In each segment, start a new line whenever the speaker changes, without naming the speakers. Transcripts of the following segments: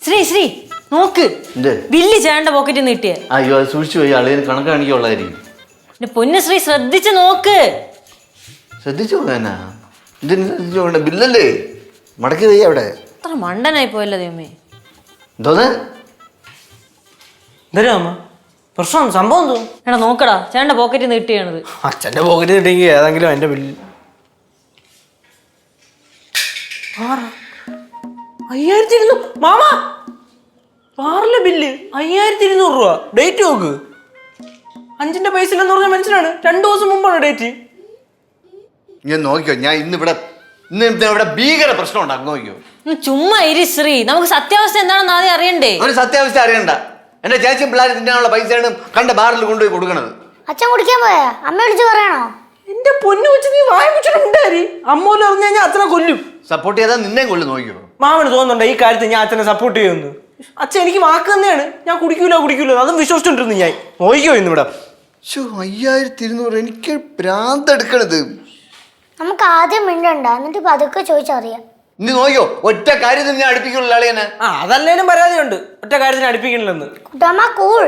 ശ്രീ നോക്ക്, ബില്ല് ചേട്ടന്റെ പോക്കറ്റിൽ നിന്ന് കിട്ടിയ.
അയ്യോ അത് സൂക്ഷിച്ചു പോയി, അളിയന് കണക്ക് കാണിക്കുള്ളായിരിക്കും.
പൊന്നു ശ്രീ ശ്രദ്ധിച്ച് നോക്ക്.
ശ്രദ്ധിച്ചു പോകാനാ? ഇതിന് ശ്രദ്ധിച്ചു പോകണ്ട, ബില്ലല്ലേ മടക്കി തയ്യ അവിടെ.
അത്ര മണ്ടനായി പോയല്ലോ ദൈവമേ.
എന്തോന്ന്
പ്രശ്നം സംഭവം എന്തോ?
എടാ നോക്കടാ, ചേട്ടന്റെ പോക്കറ്റിൽ നിന്ന് കിട്ടിയാണത്.
അച്ഛന്റെ പോക്കറ്റിൽ കിട്ടിയെങ്കിൽ ഏതെങ്കിലും എന്റെ ബില്ല് 5200. മാമ പാറിലെ ബില്ല് 5200 രൂപ. ഡേറ്റ് നോക്ക്, 5ന്റെ പൈസ ഇല്ലെന്ന് പറഞ്ഞ മനസ്സിലാണ്. 2 ദിവസം മുമ്പാണ് ഡേറ്റ്.
ഞാൻ നോക്കിയോ, ഞാൻ ഇന്നിവിടെ ഭീകര പ്രശ്നം ഉണ്ടാകും. നോക്കിയോ,
ചുമ്മാ ഇരി ശ്രീ, നമുക്ക് സത്യാവസ്ഥ എന്താണെന്ന് ആദ്യം അറിയണ്ടേ.
ഒരു സത്യാവസ്ഥ അറിയണ്ട. എന്റെ ചേച്ചിയും പിള്ളേർ തിന്നാനുള്ള പൈസയാണ് കണ്ട ബാറിൽ കൊണ്ടുപോയി കൊടുക്കണത്.
അച്ഛൻ കുടിക്കാൻ പോയാ അമ്മ വിളിച്ച് പറയണോ?
എന്റെ പൊന്നു വെച്ച് നീ വായ വെച്ചിട്ടുണ്ടായി. അമ്മൂല് പറഞ്ഞു കഴിഞ്ഞാൽ അച്ഛനെ കൊല്ലും.
സപ്പോർട്ട് ചെയ്താൽ നിന്നെ കൊല്ലും. നോക്കിയോ,
മാമന് തോന്നുന്നുണ്ടോ ഈ കാര്യത്തിൽ ഞാൻ അച്ഛനെ സപ്പോർട്ട് ചെയ്യുന്നു? അച്ഛൻ എനിക്ക് വാക്ക് തന്നെയാണ്, ഞാൻ കുടിക്കൂല അതും വിശ്വസിച്ചോണ്ടിരുന്നു ഞാൻ. നോക്കിയോ ഇന്നിവിടെ
5200. എനിക്ക് ഭ്രാന്തെടുക്കണത്.
നമുക്ക് ആദ്യം മിണ്ടണ്ട, എന്നിട്ട് പതുക്കെ ചോദിച്ചറിയാം.
നീ നോക്കിയോ, ഒറ്റ കാര്യത്തിൽ ഞാൻ അടുപ്പിക്കുള്ള ആളെയാണ്.
അതല്ലേലും പരാതിയുണ്ട്, ഒറ്റ കാര്യത്തിന് അടുപ്പിക്കണില്ലെന്ന്.
കുട്ടമ്മ കൂൾ.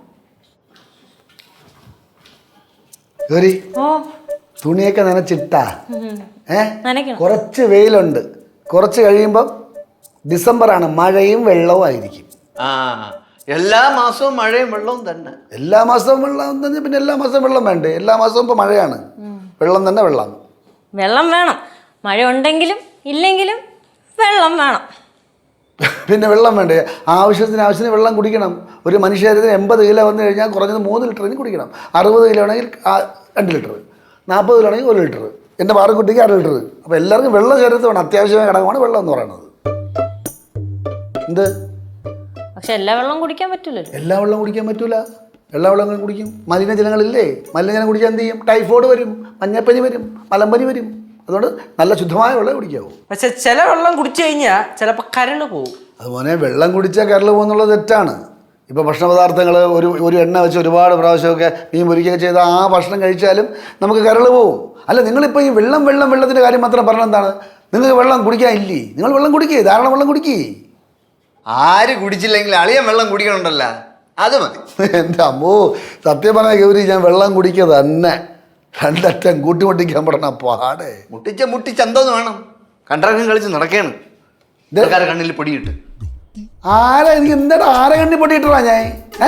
തുണിയൊക്കെ നനച്ചിട്ടാ? കുറച്ച് വെയിലുണ്ട്, കുറച്ച് കഴിയുമ്പം ഡിസംബറാണ്, മഴയും വെള്ളവും ആയിരിക്കും.
എല്ലാ മാസവും മഴയും വെള്ളവും തന്നെ.
എല്ലാ മാസവും വെള്ളം തന്നെ, പിന്നെ എല്ലാ മാസവും വെള്ളം വേണ്ടേ? എല്ലാ മാസവും ഇപ്പൊ മഴയാണ്, വെള്ളം തന്നെ വെള്ളം.
വെള്ളം വേണം, മഴ ഉണ്ടെങ്കിലും ഇല്ലെങ്കിലും വെള്ളം വേണം.
പിന്നെ വെള്ളം വേണ്ടേ? ആവശ്യത്തിന് വെള്ളം കുടിക്കണം. ഒരു മനുഷ്യത്തിന് 80 കിലോ വന്നു കഴിഞ്ഞാൽ കുറഞ്ഞത് 3 ലിറ്ററിന് കുടിക്കണം. 60 കിലോ ആണെങ്കിൽ 2 ലിറ്റർ, 40 കിലോ ആണെങ്കിൽ 1 ലിറ്റർ, എൻ്റെ പാറക്കുട്ടിക്ക് 1/2 ലിറ്റർ. അപ്പോൾ എല്ലാവർക്കും വെള്ളം ശരീരത്തിൽ വേണം, അത്യാവശ്യമായ ഘടകമാണ് വെള്ളം എന്ന് പറയുന്നത്. എന്ത്?
പക്ഷെ എല്ലാ വെള്ളം കുടിക്കാൻ പറ്റില്ലല്ലോ.
എല്ലാ വെള്ളം കുടിക്കാൻ പറ്റൂല. എല്ലാ വെള്ളം കുടിക്കും. മലിനജലങ്ങളില്ലേ, മലിനജലം കുടിക്കാൻ എന്ത് ചെയ്യും? ടൈഫോയിഡ് വരും, മഞ്ഞപ്പനി വരും, മലമ്പനി വരും. അതുകൊണ്ട് നല്ല ശുദ്ധമായ വെള്ളം കുടിക്കാവൂ.
പക്ഷെ ചില വെള്ളം കുടിച്ചു കഴിഞ്ഞാൽ ചിലപ്പോൾ കരള് പോകും.
അതുപോലെ വെള്ളം കുടിച്ചാൽ കരള് പോകുന്നുള്ളത് തെറ്റാണ്. ഇപ്പോൾ ഭക്ഷണ പദാർത്ഥങ്ങൾ ഒരു എണ്ണ വെച്ച് ഒരുപാട് പ്രാവശ്യമൊക്കെ മീൻ പൊരിക്കുകയൊക്കെ ചെയ്താൽ ആ ഭക്ഷണം കഴിച്ചാലും നമുക്ക് കരള് പോകും. അല്ല, നിങ്ങളിപ്പോൾ ഈ വെള്ളത്തിൻ്റെ കാര്യം മാത്രം പറഞ്ഞാൽ എന്താണ്? നിങ്ങൾക്ക് വെള്ളം കുടിക്കാനില്ലേ? നിങ്ങൾ വെള്ളം കുടിക്കേ, ധാരാളം വെള്ളം കുടിക്കേ.
ആര് കുടിച്ചില്ലെങ്കിൽ അളിയൻ വെള്ളം കുടിക്കണുണ്ടല്ലോ, അത് മതി.
എൻ്റെ അമ്മോ, സത്യം പറഞ്ഞാൽ ഗൗരി, ഞാൻ വെള്ളം കുടിക്കുക തന്നെ. 2 അറ്റം കൂട്ടിമുട്ടിക്കാൻ പറഞ്ഞ പാടേ.
മുട്ടിച്ചെന്തോന്ന് വേണം? കണ്ടറക്കം കളിച്ച് നടക്കുകയാണ്. കണ്ണിൽ പൊടിയിട്ട്
ആരെ എനിക്ക് എന്താ ആരെ കണ്ണി പൊടിയിട്ടാ ഞാൻ?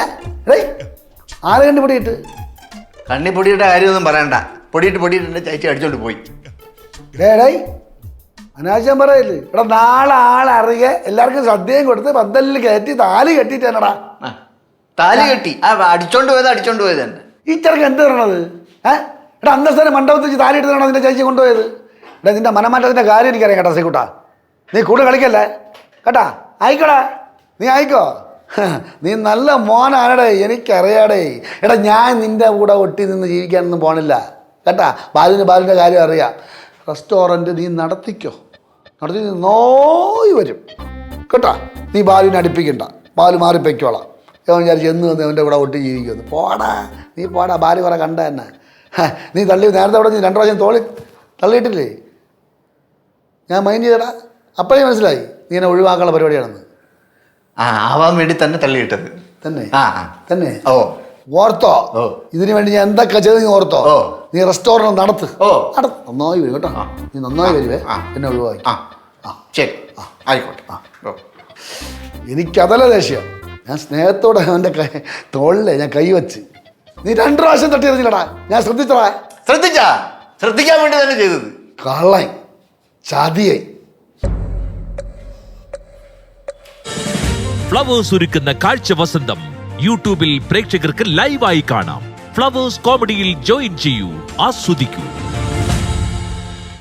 ആരെ കണ്ണി പൊടിയിട്ട്?
കണ്ണി പൊടിയിട്ട കാര്യമൊന്നും പറയണ്ട. പൊടിയിട്ട് എൻ്റെ ചേച്ചി അടിച്ചോണ്ട് പോയി.
അനാവശ്യം പറയല്ലേ? എടാ, നാളെ ആളറിയ എല്ലാവർക്കും സദ്യയും കൊടുത്ത് പന്തലിൽ കയറ്റി താലി കെട്ടിട്ടാണടാ.
താലി കെട്ടി അടിച്ചോണ്ട് പോയത് തന്നെ.
ഈ ചെറുക്ക് എന്ത് പറയണത്? എടാ, അന്തസ്ഥനെ മണ്ഡപത്തിൽ വെച്ച് താലി എടുത്താണോ നിന്റെ ചേച്ചി കൊണ്ടുപോയത്? എടാ, നിന്റെ മനമാറ്റത്തിൻ്റെ കാര്യം എനിക്കറിയാം കേട്ടോ ശ്രീകുട്ടാ. നീ കൂടുതൽ കളിക്കല്ലേ കേട്ടാ. ആയിക്കോടാ, നീ ആയിക്കോ. നീ നല്ല മോനാണടേ, എനിക്കറിയാടേ. എടാ, ഞാൻ നിന്റെ കൂടെ ഒട്ടി നിന്ന് ജീവിക്കാനൊന്നും പോണില്ല കേട്ടാ. ബാലുവിൻ്റെ കാര്യം അറിയാം. റെസ്റ്റോറൻറ്റ് നീ നടത്തി നോയി വരും കേട്ടാ. നീ ബാലുവിനെ അടുപ്പിക്കണ്ട, ബാലു മാറിപ്പൊയ്ക്കോളാം. ഞാൻ വിചാരിച്ചു എന്ന് വന്ന് അവൻ്റെ കൂടെ ഒട്ടി ജീവിക്കുമെന്ന്. നീ പോടാ, ബാലു കുറെ കണ്ട തന്നെ. നീ നേരത്തെ അവിടെ നീ 2 പ്രാവശ്യം തള്ളിയിട്ടില്ലേ? ഞാൻ മൈൻഡ് ചെയ്തടാ, അപ്പോഴേ മനസ്സിലായി നീ എന്നെ ഒഴിവാക്കാനുള്ള പരിപാടിയാണെന്ന്.
ആവാൻ വേണ്ടി തന്നെ തള്ളിയിട്ടത്
തന്നെ.
ഓർത്തോ?
ഇതിനു വേണ്ടി ഞാൻ എന്തൊക്കെ ചെയ്ത് നീ ഓർത്തോ? നീ റെസ്റ്റോറൻറ്റ് നടത്ത്. നന്നായി വരും കേട്ടോ. നീ നന്നായി വരുവേ, എന്നെ ഒഴിവാക്കി.
ശരി, ആയിക്കോട്ടെ.
എനിക്കതല്ല ദേഷ്യം. ഞാൻ സ്നേഹത്തോടെ അവൻ്റെ തോളിലെ ഞാൻ കൈവച്ച്. നീ 2 പ്രാവശ്യം തട്ടി എറിഞ്ഞില്ലടാ, ഞാൻ
ശ്രദ്ധിക്കാൻ വേണ്ടി തന്നെ ചെയ്തത്.
കള്ളൻ, ചതിയായി.
ഫ്ലവേഴ്സ് ഒരുക്കുന്ന കാഴ്ച വസന്തം യൂട്യൂബിൽ പ്രേക്ഷകർക്ക് ലൈവായി കാണാം. ഫ്ലവേഴ്സ് കോമഡിയിൽ ജോയിൻ ചെയ്യൂ, ആസ്വദിക്കൂ.